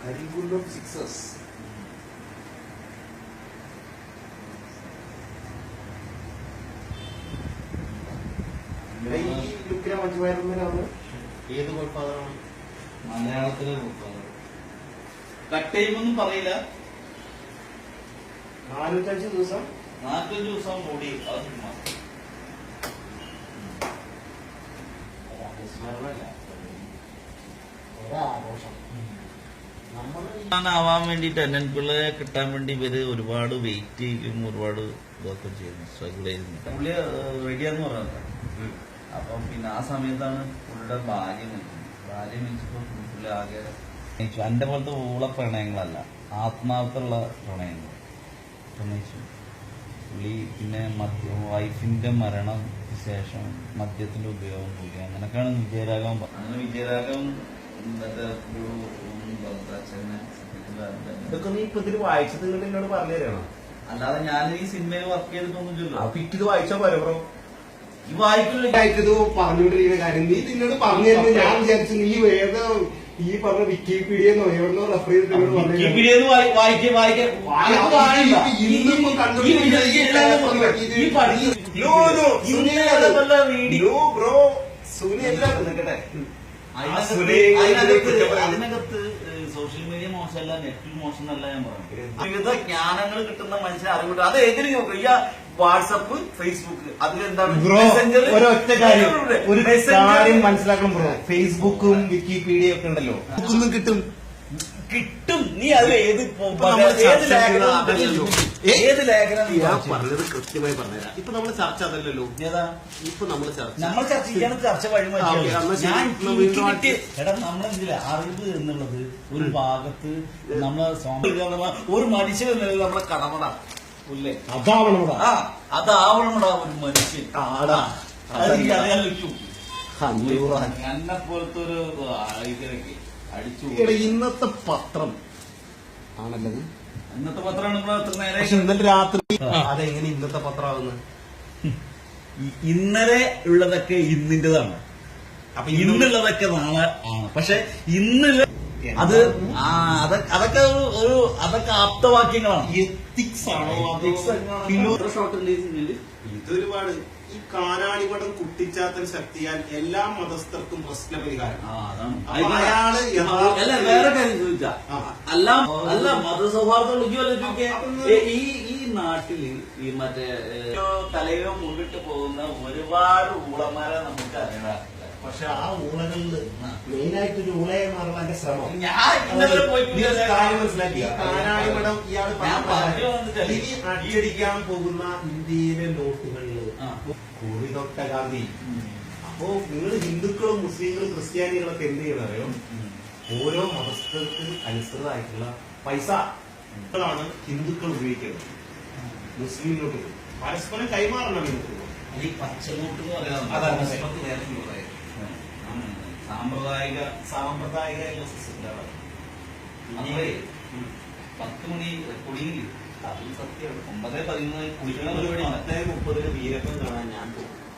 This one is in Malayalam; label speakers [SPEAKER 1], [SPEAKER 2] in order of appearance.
[SPEAKER 1] Very good of sixes.
[SPEAKER 2] ഏത് ഗോഡ്ഫാദറാണ്? മലയാളത്തിലെ ഗോഡ്ഫാദർ. കട്ട് ചെയ്യുമൊന്നും പറയില്ല.
[SPEAKER 1] 405 ദിവസം
[SPEAKER 2] 4 ദിവസം കൂടി അത് സിനിമ ആവാൻ വേണ്ടി ടെന്നൻ പിള്ളയെ കിട്ടാൻ വേണ്ടി ഇവര് ഒരുപാട് വെയിറ്റ് ചെയ്യും, ഒരുപാട് ഇതൊക്കെ ചെയ്യുന്നു, സ്ട്രഗിൾ ചെയ്യുന്നു. പുള്ളി റെഡിയാന്ന് പറഞ്ഞത്. അപ്പം പിന്നെ ആ സമയത്താണ് പുള്ളിയുടെ ഭാര്യ മരിച്ചപ്പോ പുള്ളി ആകെ എന്റെ പോലത്തെ ഊള പ്രണയങ്ങളല്ല, ആത്മാർത്ഥമുള്ള പ്രണയങ്ങൾ പ്രണയിച്ചു പുള്ളി. പിന്നെ വൈഫിന്റെ മരണം ശേഷം മദ്യത്തിന്റെ ഉപയോഗം കൂടി, അങ്ങനൊക്കെയാണ് വിജയരാഘവൻ. അങ്ങനെ വിജയരാഘവൻ
[SPEAKER 1] ഇതൊക്കെ നീ ഇപ്പൊ ഇതിന് വായിച്ചത് എന്നോട് പറഞ്ഞു തരണം.
[SPEAKER 2] അല്ലാതെ ഞാൻ ഈ സിനിമയിൽ വർക്ക് ചെയ്തിട്ടൊന്നുമില്ലല്ലോ.
[SPEAKER 1] ഇത് വായിച്ചാ പോലെ ബ്രോ.
[SPEAKER 2] ഈ വായിക്കത്
[SPEAKER 1] പറഞ്ഞുകൊണ്ടിരിക്കുന്ന കാര്യം നീ നിന്നോട് പറഞ്ഞു തരുന്നത് ഞാൻ വിചാരിച്ചു നീ ഏതോ ഈ പറഞ്ഞ വിക്കിപീഡിയെന്നോ എവിടെന്നോ റെഫർ ചെയ്തിട്ട്
[SPEAKER 2] അതിനകത്ത് സോഷ്യൽ മീഡിയ മോശമല്ല, നെറ്റ് മോശമല്ല ഞാൻ പറഞ്ഞു. വിവിധ ജ്ഞാനങ്ങൾ കിട്ടുന്ന മനുഷ്യനെ അറിവിട്ട് അത് എതിരി നോക്കുക. ഈ വാട്സപ്പ്, ഫേസ്ബുക്ക് അതിലെന്താണ്
[SPEAKER 1] ഒരൊറ്റ കാര്യം ഒരു കാര്യം മനസ്സിലാക്കണം ബ്രോ. ഫേസ്ബുക്കും വിക്കിപീഡിയ ഒക്കെ ഉണ്ടല്ലോ, ഒന്നും കിട്ടും.
[SPEAKER 2] നീ അത് ഏത് ലേഖനം
[SPEAKER 1] പറഞ്ഞത് കൃത്യമായി പറഞ്ഞുതരാം. ഇപ്പൊ നമ്മള് ചർച്ച അതല്ലല്ലോ. ഇപ്പൊ നമ്മള്
[SPEAKER 2] ചർച്ച ചെയ്യണം. ചർച്ച വഴി എടാ നമ്മളെന്തില്ല അറിവ് എന്നുള്ളത് ഒരു ഭാഗത്ത് നമ്മളെ ഒരു മനുഷ്യൻ എന്നുള്ളത് നമ്മളെ കടമട അല്ലേ? അതാവണമടാ ഒരു മനുഷ്യൻ. അറിയാൻ പറ്റും. എന്നെ പോലത്തെ ഒരു ഇതിലൊക്കെ അടിച്ചു.
[SPEAKER 1] ഇന്നത്തെ പത്രം ആണല്ലത്.
[SPEAKER 2] ഇന്നത്തെ പത്രമാണ് നേരെ.
[SPEAKER 1] ഇന്നലെ രാത്രി അതെങ്ങനെ ഇന്നത്തെ പത്രമാകുന്നത്?
[SPEAKER 2] ഇന്നലെ ഉള്ളതൊക്കെ ഇന്നിന്റേതാണ്. അപ്പൊ ഇന്നുള്ളതൊക്കെ നാളെ ആണ്. പക്ഷെ ഇന്ന് അത് അതൊക്കെ അതൊക്കെ ആപ്തവാക്യങ്ങളാണ്.
[SPEAKER 1] എത്തിക്സ് ആണോ ഇതൊരുപാട്. ഈ കാനാടിമഠം കുട്ടിച്ചാത്തൻ ശക്തിയാൽ എല്ലാ മതസ്ഥർക്കും പ്രശ്ന പരിഹാരം. അയാള്
[SPEAKER 2] വേറെ കാര്യം ചോദിച്ചാ അല്ല മതസൗഹാർദ്ദം ഈ നാട്ടില് ഈ മറ്റേ തലയോ മുന്നിട്ട് പോകുന്ന ഒരുപാട് ഊളന്മാരെ നമുക്ക് അറിയാം.
[SPEAKER 1] പക്ഷെ ആ ഊളകളില് മെയിനായിട്ടൊരു ഊളയെ മാറുള്ള എന്റെ ശ്രമം മനസ്സിലാക്കി. കാനാടിമഠം ഇയാൾ ഇനി അടിയടിക്കാൻ പോകുന്ന ഇന്ത്യയിലെ നോട്ടുകളില് കുറി തൊട്ട ഗാന്ധി. അപ്പോ നിങ്ങൾ ഹിന്ദുക്കളും മുസ്ലിങ്ങളും ക്രിസ്ത്യാനികളൊക്കെ എന്ത് ചെയ്യണമോ ഓരോ മതസ്ഥർക്ക് അനുസൃതമായിട്ടുള്ള പൈസകളാണ് ഹിന്ദുക്കൾ ഉപയോഗിക്കുന്നത്. മുസ്ലിം നോട്ടുകൾ പരസ്പരം കൈമാറണം ഹിന്ദുക്കൾ.
[SPEAKER 2] സാമ്പ്രദായിക 10 മണി കുടിയിൽ അതും സത്യമാണ്. 9-11 കുടിക്കുന്ന പരിപാടി 10-30 വീരപ്പം കാണാൻ ഞാൻ പോകും.